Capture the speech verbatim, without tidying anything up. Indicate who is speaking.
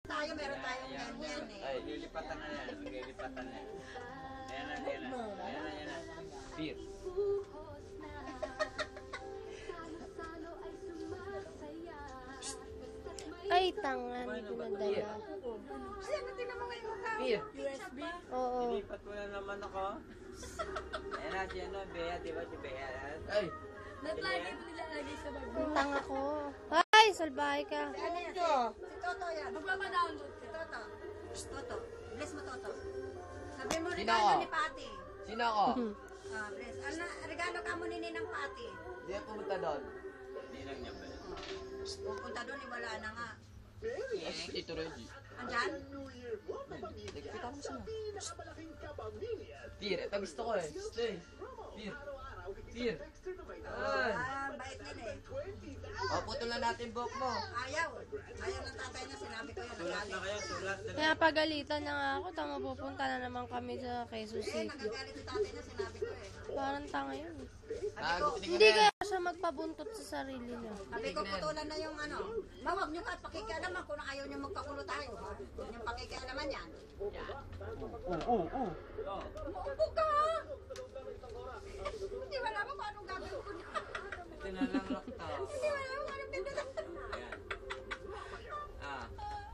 Speaker 1: Tayo, meron tayong ganyan eh.
Speaker 2: Ay, lilipatan na yan. Lilipatan na yan. Ayan na, ayan na. Ayan na, ayan na. Beer.
Speaker 3: Ay, tanga. Hindi ko nadala.
Speaker 1: Ay, ano din naman ngayon mukha?
Speaker 2: Beer.
Speaker 1: U S B?
Speaker 3: Oo.
Speaker 2: Lilipat mo na naman ako. Ayan na, si ano, Bea, di ba si Bea? Ay!
Speaker 1: Naglagay mo nilalagay sa bag.
Speaker 3: Ang tanga ko. Ay, salbahe ka.
Speaker 1: Ano yan? Si, si Toto yan. Magpapa-download. Si Toto. Shh, Toto. Bless mo, Toto. Sabi mo,
Speaker 2: Sino
Speaker 1: regalo
Speaker 2: ako?
Speaker 1: ni Pati.
Speaker 2: Sino ako?
Speaker 1: Ah, bless. Ano, regalo ka mo ni Ninang Pati.
Speaker 2: Hindi ako pumunta doon. Hindi lang niya ba?
Speaker 1: Pupunta doon, eh, wala na nga.
Speaker 2: Yes, ito Reggie.
Speaker 1: Andyan?
Speaker 2: Nagpita mo siya. Beer, ito gusto ko eh. Gusto eh. Beer. Beer. Ay.
Speaker 1: Ah, bait nila eh.
Speaker 2: O, putulan natin buhok mo.
Speaker 1: Ayaw. Ayaw ng tatay niya, sinabi ko yan.
Speaker 2: Sulat na kayo, sulat na.
Speaker 3: Kaya pagalitan na nga ako. Tama, pupunta na naman kami sa Quezon
Speaker 1: Eh,
Speaker 3: City.
Speaker 1: nagagalit yung tatay niya, sinabi ko eh.
Speaker 3: Parang tanga yun.
Speaker 1: Sabi ko,
Speaker 3: Hindi kaya siya magpabuntot sa sarili niya.
Speaker 1: sabi ko, putulan na yung ano. Ma, huwag niyo ka pakikialaman kung ayaw niyo magkakulo tayo. Ha? Huwag niyo pakikialaman yan.
Speaker 2: Oo, oo, oo.
Speaker 1: Umuupo ka.